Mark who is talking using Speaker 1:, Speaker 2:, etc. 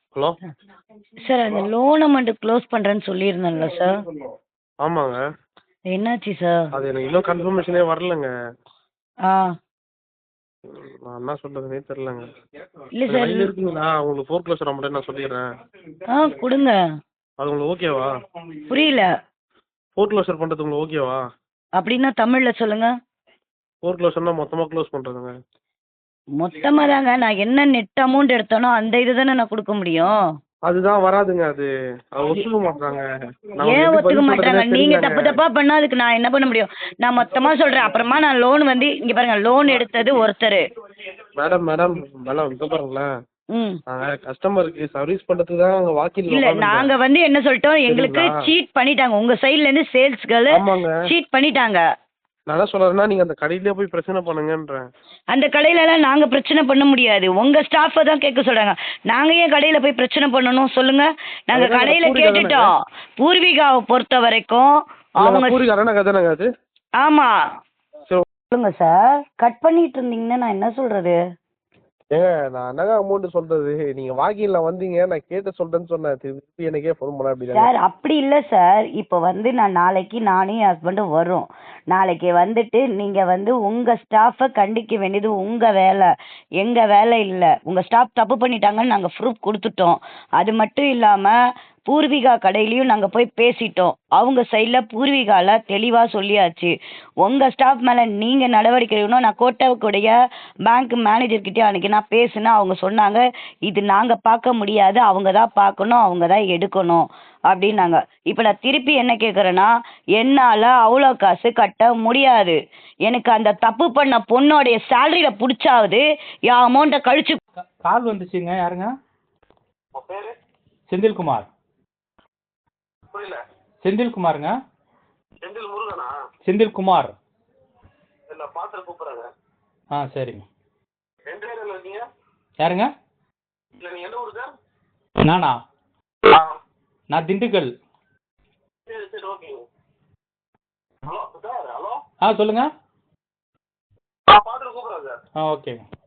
Speaker 1: Hello.
Speaker 2: Sir அந்த loan amount close பண்ணுறேன்னு சொல்லியிருந்தேன்ல சார்,
Speaker 1: ஆமாங்க.
Speaker 2: என்னாச்சு சார்?
Speaker 1: அது எனக்கு இன்னும் கன்ஃபர்மேஷனே வரலங்க.
Speaker 2: ஆ
Speaker 1: நான் என்ன சொல்றதுனே தெரிலங்க.
Speaker 2: இல்லை
Speaker 1: கொஞ்சம்
Speaker 2: சார்.
Speaker 1: லைன்ல இருக்கீங்களா? உங்களுக்கு ஃபோர் க்ளோஸர் அமௌண்ட் நான் சொல்லிடுறேன்.
Speaker 2: கொடுங்க.
Speaker 1: அது உங்களுக்கு ஓகேவா?
Speaker 2: புரியல.
Speaker 1: ஃபோர் க்ளோஸர் பண்ணுறது உங்களுக்கு ஓகேவா?
Speaker 2: அப்படின்னா தமிழில் சொல்லுங்க.
Speaker 1: ஃபோர் க்ளோஸர்னா மொத்தமாக க்ளோஸ் பண்ணுறதுங்க.
Speaker 2: மொத்தமாக தாங்க, நான் என்ன நெட் அமௌண்ட் எடுத்தேனோ அந்த இது தானே நான் கொடுக்க முடியும்.
Speaker 1: அதுதான் வராதுங்க. அது ஒத்துக்க மாட்டாங்க. நான்
Speaker 2: ஏன்
Speaker 1: எப்படி
Speaker 2: ஒத்துக்க
Speaker 1: பதில்
Speaker 2: மாட்டாங்க?
Speaker 1: சொல்றதுனே
Speaker 2: நீங்க
Speaker 1: தெரியலங்க.
Speaker 2: தப்பு தப்பா பண்ணா அதுக்கு நான் என்ன பண்ண முடியும்? நான் மொத்தமா சொல்றேன். அப்புறமா நான் லோன் வந்து இங்க பாருங்க, லோன் எடுத்தது ஒருத்தர்.
Speaker 1: மேடம் மேடம் மேடம் இங்க பாருங்களேன்.
Speaker 2: ம்
Speaker 1: நாங்கள் கஸ்டமருக்கு சர்வீஸ் பண்ணுறதுக்கு தான் அங்கே வாக்கில்
Speaker 2: இல்ல நாங்க வந்து என்ன சொல்லிட்டோம், எங்களுக்கு
Speaker 1: சரிங்களா?
Speaker 2: சீட் பண்ணிட்டாங்க. உங்க சைடுல இருந்து சேல்ஸ் கேர்ள்
Speaker 1: ஆமாங்க.
Speaker 2: சீட் பண்ணிட்டாங்க.
Speaker 1: நான் என்ன சொல்றேன்னா நீங்கள் அந்த கடையிலே போய் பிரச்சனை பண்ணுங்கன்றேன்.
Speaker 2: அந்த கடையிலலாம் நாங்க பிரச்சனை பண்ண முடியாது. உங்க ஸ்டாஃபை தான் கேட்க சொல்றாங்க. நாங்க ஏன் கடையில போய் பிரச்சனை பண்ணணும் சொல்லுங்க? நாங்க
Speaker 1: அதுதாங்க
Speaker 2: கடையில
Speaker 1: பூர்விகா தானேங்க?
Speaker 2: கேட்டுட்டோம். பூர்விகாவை பொறுத்த வரைக்கும் அவங்க
Speaker 1: பூரிக்காரனா கதானங்க அது?
Speaker 2: ஆமா.
Speaker 1: சரி.
Speaker 2: சொல்லுங்க சார். கட் பண்ணிட்டு இருந்தீங்கன்னா நான் என்ன சொல்றது?
Speaker 1: ஏங்க நான் என்னங்க அமௌண்ட் சொல்றது? நீங்க வாக்கில்ல வந்தீங்க, நான் கேட்டு சொல்றேன்னு சொன்னேன். திருப்பி எனக்கே ஃபோன் பண்ண அப்படிதாங்க.
Speaker 2: சார் அப்படி இல்லை சார். இப்போ வந்து நான் நாளைக்கு நானும் என் ஹஸ்பண்டும் வரோம். நாளைக்கு வந்துட்டு நீங்கள் வந்து உங்கள் ஸ்டாஃபை கண்டிக்க வேண்டியது உங்கள் வேலை, எங்கள் வேலை இல்லை. உங்கள் ஸ்டாஃப் தப்பு பண்ணிட்டாங்கன்னு நாங்கள் ப்ரூஃப் கொடுத்துட்டோம். அது மட்டும் இல்லாமல் பூர்விகா கடையிலையும் நாங்கள் போய் பேசிட்டோம். அவங்க சைடில் பூர்விகாவில் தெளிவாக சொல்லியாச்சு. உங்கள் ஸ்டாஃப் மேலே நீங்கள் நடவடிக்கை எடுக்கணும். நான் கோட்டாவுக்குடைய பேங்க் மேனேஜர்கிட்டயும் அன்றைக்கி நான் பேசினேன். அவங்க சொன்னாங்க, இது நாங்கள் பார்க்க முடியாது, அவங்க தான் பார்க்கணும், அவங்க தான் எடுக்கணும் அப்படின்னாங்க. இப்போ நான் திருப்பி என்ன கேட்குறேன்னா, என்னால் அவ்வளோ காசு கட்ட முடியாது. எனக்கு அந்த தப்பு பண்ண பொண்ணோடைய சேலரியில் பிடிச்சாவது என் அமௌண்ட்டை கழிச்சு.
Speaker 3: கால் வந்துச்சுங்க. யாருங்க? செந்தில்குமார்.
Speaker 1: புரியல.
Speaker 3: செந்தில்குமாருங்க.
Speaker 1: செந்தில் முருகனா?
Speaker 3: செந்தில்குமார்.
Speaker 1: இல்ல பாத்திர கூப்பிடுறாங்க.
Speaker 3: சரிங்க.
Speaker 1: எந்த ஏரியால இருக்கீங்க?
Speaker 3: யாருங்க?
Speaker 1: இல்ல நீங்க எந்த ஊரு சார்?
Speaker 3: நானா? நான் திண்டுக்கல்.
Speaker 1: சரி சரி ஓகேங்க. Hello sir. ஹலோ.
Speaker 3: சொல்லுங்க.
Speaker 1: பாத்திர கூப்பிடுறேன் சார்.
Speaker 3: ஓகேங்க.